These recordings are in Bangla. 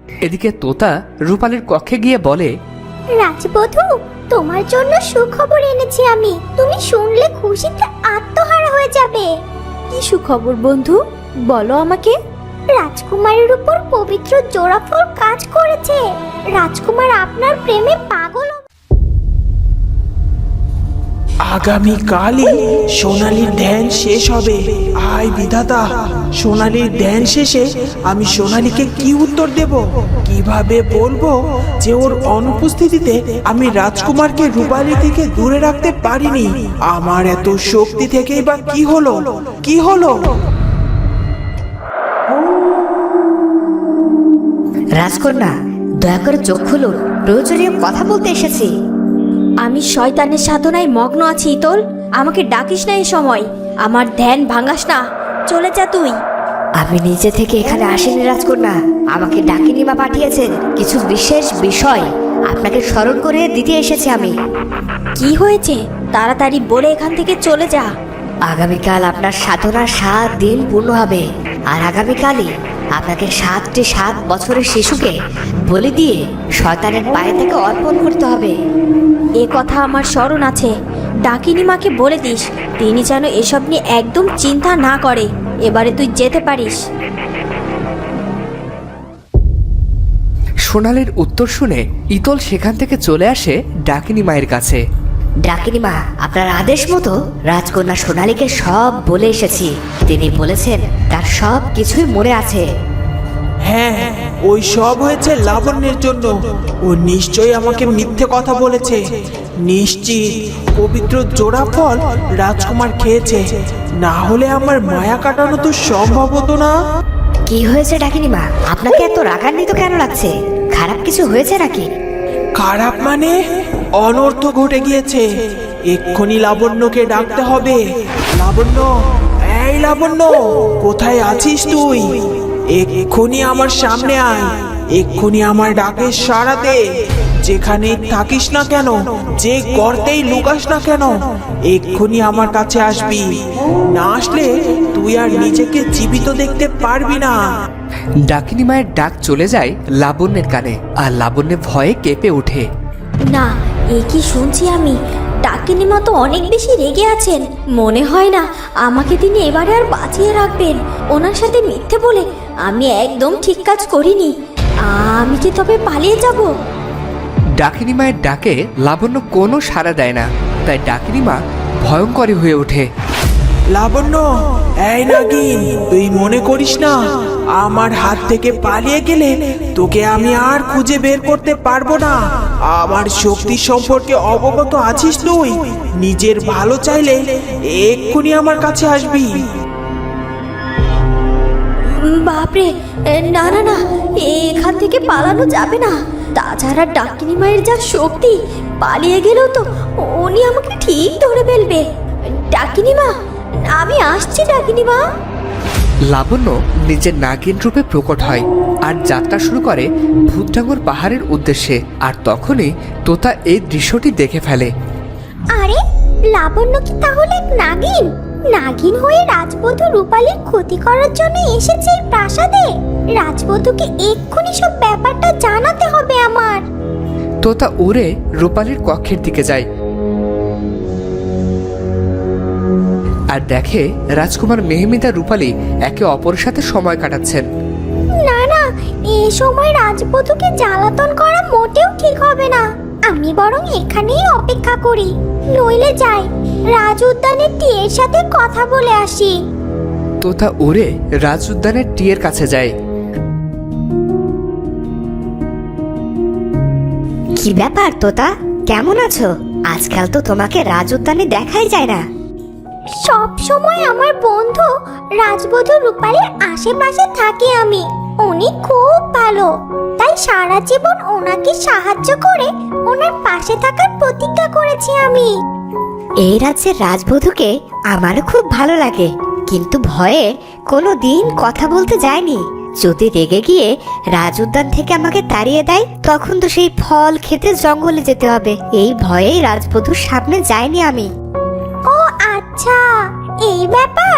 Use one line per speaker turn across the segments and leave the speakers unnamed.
এদিকে তোতা রূপালীর কক্ষে গিয়ে বলে,
রাজবধূ, তোমার জন্য সুখবর এনেছি আমি। তুমি শুনলে খুশিতে আত্মহারা হয়ে যাবে।
কি সুখবর বন্ধু, বলো আমাকে।
রাজকুমারের উপর পবিত্র জোড়াফল কাজ করেছে। রাজকুমার আপনার প্রেমে পাগল।
আগামীকালই সোনালীর ধ্যান শেষ হবে। আয় বিধাতা, সোনালীর ধ্যান শেষে আমি সোনালীকে কি উত্তর দেব? কিভাবে বলবো যে ওর অনুপস্থিতিতে আমি রাজকুমারকে রূপালী থেকে দূরে রাখতে পারিনি? আমার এত শক্তি থেকেই বা কি হলো? কি হলো?
রাজকন্যা, দয়া করে চোখ খুলুন, প্রয়োজনীয় কথা বলতে এসেছি।
আমি শয়তানের সাধনায় মগ্ন আছি ইতল, আমাকে ডাকিস না এ সময়। আমার ধ্যান ভাঙাস না, চলে যা তুই।
আমি নিজে থেকে এখানে আসিনি রাজকন্যা, আমাকে ডাকিনিমা পাঠিয়েছেন কিছু বিশেষ বিষয় আপনাকে স্মরণ করে দিতে এসেছি আমি।
কি হয়েছে তাড়াতাড়ি বলে এখান থেকে চলে যা।
আগামীকাল আপনার সাধনার 7 দিন পূর্ণ হবে, আর আগামীকালই আপনাকে 7 বছরের শিশুকে বলি দিয়ে শয়তানের পায়ে থেকে অর্পণ করতে হবে।
এ কথা আমার স্মরণ আছে। ডাকিনী মাকে বলে দিস তিনি যেন এসব নিয়ে একদম চিন্তা না করে। এবারে তুই যেতে পারিস।
সোনালীর উত্তর শুনে ইতল সেখান থেকে চলে আসে ডাকিনী মায়ের কাছে।
ডাকিনিমা, আপনার আদেশ মতো রাজকন্যা সোনালীকে সব বলে এসেছি। তিনি বলেছেন তার সব কিছুই মনে আছে।
হ্যাঁ, ওই সব হয়েছে লাবণ্যের জন্য। ও নিশ্চয়ই আমাকে মিথ্যে কথা বলেছে। নিশ্চিত পবিত্র জোড়া ফল রাজকুমার খেয়েছে, না হলে আমার মায়া কাটানো তো সম্ভব হতো না।
কি হয়েছে ডাকিনিমা, আপনাকে এত রাগান্বিত কেন লাগছে? খারাপ কিছু হয়েছে নাকি?
খারাপ মানে? অনর্থ ঘটে গিয়েছে। এক্ষুনি লাবণ্যকে ডাকতে হবে। লাবণ্য, এই লাবণ্য, কোথায় আছিস তুই? এক্ষুনি আমার সামনে আয়। এক্ষুনি আমার ডাকে সাড়া দে। যেখানেই থাকিস না কেন, যে গর্তেই লুকাস না কেন, এক্ষুনি আমার কাছে আসবি। না আসলে তুই আর নিজেকে জীবিত দেখতে পারবি না।
ডাকিনী মায়ের ডাক চলে যায় লাবণ্যের কানে, আর লাবণ্য ভয়ে কেঁপে ওঠে।
না, এ কি শুনছি আমি? ডাকিনী মা তো অনেক বেশি রেগে আছেন। মনে হয় না আমাকে তিনি এবারে আর বাঁচিয়ে রাখবেন। ওনার সাথে মিথ্যে বলে আমি একদম ঠিক কাজ করিনি। আমি কি তবে পালিয়ে যাব?
ডাকিনী মায়ের ডাকে লাবণ্য কোনো সাড়া দেয় না, তাই ডাকিনী মা ভয়ঙ্করী হয়ে ওঠে।
লাবণ্য, এই নাগিন, তুই মনে করিস না আমার হাত থেকে পালিয়ে গেলে তোকে আমি আর খুঁজে বের করতে পারবো না? আমার শক্তি সম্পর্কে অবগত আছিস তুই? নিজের ভালো চাইলে এক্ষুনি আমার কাছে আসবি।
বাপরে, না না না, এখান থেকে পালানো যাবে না। তাছাড়া ডাকিনী মায়ের যা শক্তি, পালিয়ে গেলেও তো উনি আমাকে ঠিক ধরে ফেলবে। ডাকিনী মা, আমি আসছি ডাকিনী মা।
লাবণ্য নিজের নাগিন রূপে প্রকট হয় আর যাত্রা শুরু করে ভূতডাঙ্গর পাহাড়ের উদ্দেশ্যে। আর তখনই তোতা এই দৃশ্যটি দেখে ফেলে।
আরে, লাবণ্য কি তাহলে এক নাগিন? নাগিন হয়ে রাজবধূ রূপালীর ক্ষতি করার জন্য এসেছে এই প্রাসাদে। রাজবধূকে এক্ষুনি সব ব্যাপারটা জানাতে হবে আমার।
তোতা উড়ে রূপালীর কক্ষের দিকে যায় আর দেখে রাজকুমার মেহমিদা রূপালী একে অপরের সাথে সময় কাটাচ্ছেন।
না না, এই সময় রাজবধূকে জ্বালাতন করা মোটেও ঠিক হবে না। আমি বরং এখানেই অপেক্ষা করি, নইলে যাই রাজ উদ্যানের টিয়ের সাথে কথা বলে আসি।
তোতা উড়ে রাজ উদ্যানের টিয়ের কাছে যায়।
কি ব্যাপার তোতা, কেমন আছো? আজকাল তো তোমাকে রাজ উদ্যানে দেখাই যায় না।
সব সময় আমার বন্ধু রাজবধূ রূপালীর আশেপাশে থাকি আমি। উনি খুব ভালো, তাই সারা জীবন ওনাকে সাহায্য করে ওনার পাশে থাকার প্রতিজ্ঞা করেছি আমি।
এই রাজ্যের রাজবধূকে আমারও খুব ভালো লাগে, কিন্তু ভয়ে কোনো দিন কথা বলতে যায়নি। যদি রেগে গিয়ে রাজ উদ্যান থেকে আমাকে তাড়িয়ে দেয়, তখন তো সেই ফল খেতে জঙ্গলে যেতে হবে। এই ভয়েই রাজবধূর সামনে যাইনি আমি।
ও আচ্ছা, এই ব্যাপার।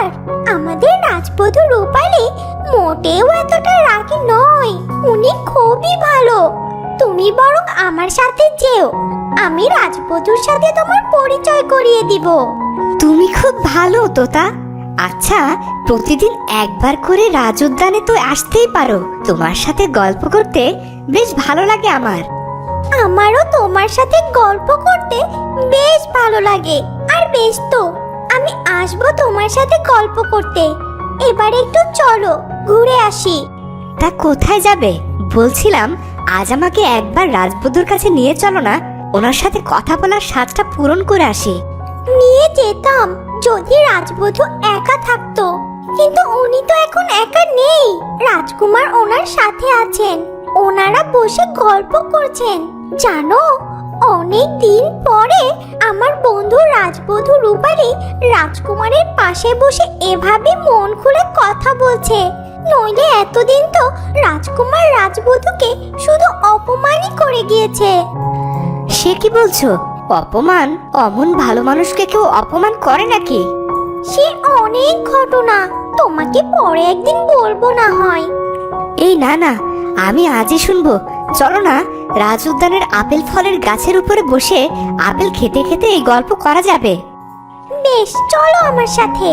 আমাদের রাজবধূ রূপালী মোটেও এতটা রাগী নয়, উনি খুবই ভালো। তুমি বরং আমার সাথে যেও, আমি রাজবধূর সাথে তোমার পরিচয় করিয়ে দিব।
তুমি খুব ভালো তোতা। আচ্ছা, প্রতিদিন একবার করে রাজ উদ্যানে তো আসতেই পারো। তোমার সাথে গল্প করতে বেশ ভালো লাগে আমার।
আমারও তোমার সাথে গল্প করতে বেশ ভালো লাগে। আর বেশ তো, আমি আসবো তোমার সাথে গল্প করতে। এবার একটু চলো ঘুরে আসি।
তা কোথায় যাবে? বলছিলাম আজ আমাকে একবার রাজবধূর কাছে নিয়ে চলো না, ওনার সাথে কথা বলার স্বাদটা পূরণ করে আসি।
নিয়ে যেতাম যদি রাজবধূ একা থাকতো, কিন্তু উনি তো এখন একা নেই। রাজকুমার ওনার সাথে আছেন, ওনারা বসে গল্প করছেন। জানো, অনেক দিন পরে আমার বন্ধু রাজবধূ রূপালী রাজকুমারের পাশে বসে এভাবে মন খুলে কথা বলছে। নইলে এতদিন তো রাজকুমার রাজবধূকে শুধু অপমানই করে গিয়েছে।
সে কি বলছো? অপমান? অমন ভালো মানুষকে কেউ অপমান করে নাকি?
সে অনেক ঘটনা, তোমাকে পরে একদিন বলবো না হয়।
এই না না, আমি আজই শুনবো। চলো না, রাজ উদ্যানের আপেল ফলের গাছের উপরে বসে আপেল খেতে খেতে এই গল্প করা যাবে।
বেশ, চলো আমার সাথে।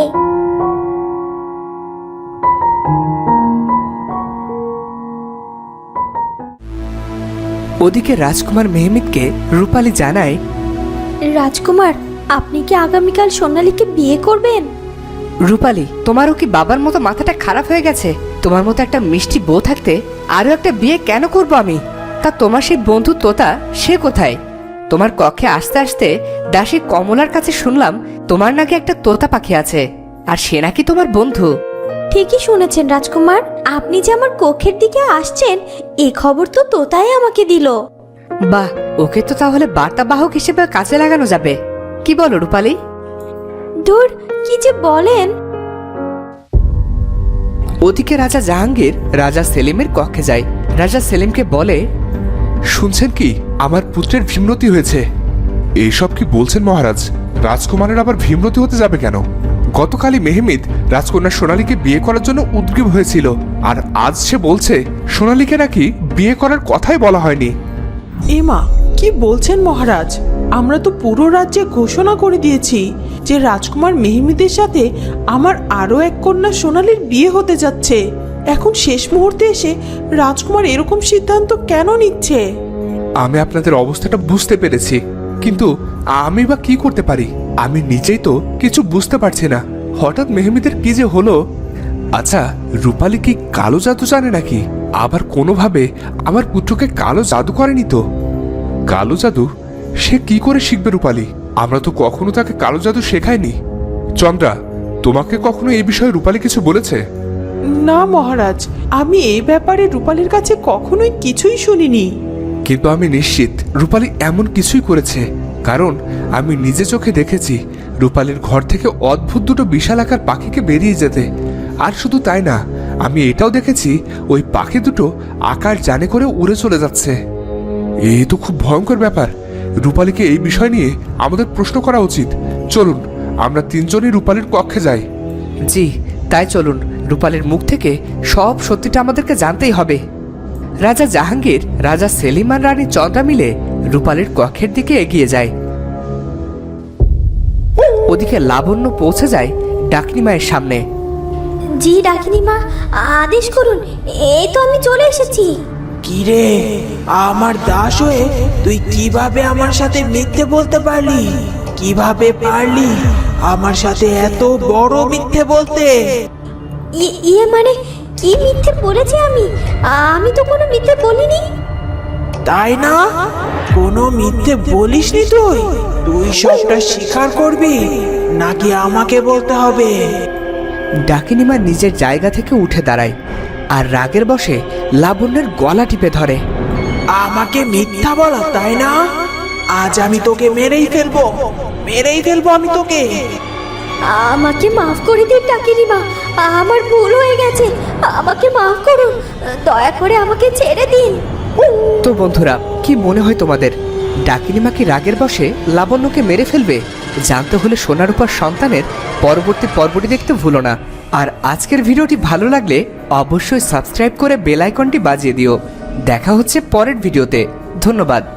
ওদিকে রাজকুমার মেহমিদকে রূপালী জানায়,
রাজকুমার, আপনি কি আগামীকাল সোনালীকে বিয়ে করবেন?
রূপালী, তোমারও কি বাবার মতো মাথাটা খারাপ হয়ে গেছে? তোমার মতো একটা মিষ্টি বউ থাকতে আরো একটা বিয়ে কেন করব আমি? তা তোমার সেই বন্ধু তোতা, সে কোথায়? তোমার কক্ষে আসতে আসতে দাসী কমলার কাছে শুনলাম তোমার নাকি একটা তোতা পাখি আছে, আর সে নাকি তোমার বন্ধু।
ঠিকই শুনেছেন রাজকুমার, আপনি যে আমার কক্ষের দিকে আসছেন এই খবর তো তোতাই আমাকে দিল।
বাহ, ওকে তো তাহলে বার্তাবাহক হিসেবে কাজে লাগানো যাবে। কি বলো রূপালী?
ধুর, কি যে বলেন।
ওদিকে রাজা জাহাঙ্গীর রাজা সেলিমের কক্ষে যায়। রাজা সেলিমকে বলে,
শুনছেন কি, আমার পুত্রের ভীমরতি হয়েছে। এইসব কি বলছেন মহারাজ? রাজকুমারের আবার ভীমরতি হতে যাবে কেন? গতকালই মেহমিদ রাজকন্যা সোনালীকে বিয়ে করার জন্য উদ্গ্রীব হয়েছিল, আর আজ সে বলছে সোনালীকে নাকি বিয়ে করার কথাই বলা হয়নি।
এমা, কি বলছেন মহারাজ? আমরা তো পুরো রাজ্যে ঘোষণা করে দিয়েছি যে রাজকুমার মেহমিদের সাথে আমার আরো এক কন্যা সোনালীর বিয়ে হতে যাচ্ছে। এখন শেষ মুহূর্তে এসে রাজকুমার এরকম সিদ্ধান্ত কেন নিচ্ছে?
আমি আপনাদের অবস্থাটা বুঝতে পেরেছি, কিন্তু আমি বা কি করতে পারি? আমি নিজেই তো কিছু বুঝতে পারছি না। হঠাৎ মেহমিদের কি যে হলো। আচ্ছা, রূপালী কি কালো জাদু জানে নাকি? আবার কোনোভাবে আমার পুত্রকে কালো জাদু করেনি তো? কালো জাদু সে কি করে শিখবে রূপালী? আমরা তো কখনো তাকে কালো জাদু শেখাইনি। চন্দ্রা, তোমাকে কখনো এই বিষয়ে রূপালী কিছু বলেছে?
না মহারাজ, আমি এই ব্যাপারে রূপালীর কাছে কখনোই কিছুই শুনিনি।
কিন্তু আমি নিশ্চিত রূপালী এমন কিছুই করেছে, কারণ আমি নিজে চোখে দেখেছি রূপালীর ঘর থেকে অদ্ভুত দুটো বিশাল আকার পাখিকে বেরিয়ে যেতে। আর শুধু তাই না, আমি এটাও দেখেছি ওই পাখি দুটো আকার জানে করে উড়ে চলে যাচ্ছে। এই তো খুব ভয়ঙ্কর ব্যাপার। রূপালীকে এই বিষয় নিয়ে আমাদের প্রশ্ন করা উচিত। চলুন, আমরা তিনজনই রূপালীর কক্ষে যাই।
জি, তাই চলুন। রূপালীর মুখ থেকে সব সত্যিটা আমাদেরকে জানতেই হবে। রাজা জাহাঙ্গীর, রাজা সেলিম আর রানী চন্দ্রা মিলে রূপালীর কক্ষের দিকে এগিয়ে যায়। ওদিকে লাবণ্য পৌঁছে যায় ডাকনি মায়ের সামনে।
জি ডাকিনি মা, আদেশ করুন, এই তো আমি চলে এসেছি।
কিরে, আমার দাস হয়ে তুই কিভাবে আমার সাথে মিথ্যে বলতে পারলি? কিভাবে পারলি আমার সাথে এত বড় মিথ্যে বলতে?
ইয়ে মানে, কি মিথ্যে বলেছি আমি? আমি তো কোনো মিথ্যে বলিনি।
তাই না? কোনো মিথ্যে বলিসনি তুই? তুই সবটা স্বীকার করবি নাকি আমাকে বলতে হবে?
ডাকিনিমা নিজের জায়গা থেকে উঠে দাঁড়ায় আর রাগের বশে লাবণ্যের গলা টিপে ধরে।
আমাকে মিথ্যা বলা, তাই না? আজ আমি তোকে মেরেই ফেলবো আমি তোকে।
আমাকে মাফ করে দিন ডাকিনি মা, আমার ভুল হয়ে গেছে, আমাকে মাফ করুন, দয়া করে আমাকে ছেড়ে দিন।
তো বন্ধুরা, কি মনে হয় তোমাদের, ডাকিনিমা কি রাগের বশে লাবণ্যকে মেরে ফেলবে? জানতে হলে সোনার উপর সন্তানের পরবর্তী পর্বটি দেখতে ভুলো না। আর আজকের ভিডিওটি ভালো লাগলে অবশ্যই সাবস্ক্রাইব করে বেল আইকনটি বাজিয়ে দিও। দেখা হচ্ছে পরের ভিডিওতে। ধন্যবাদ।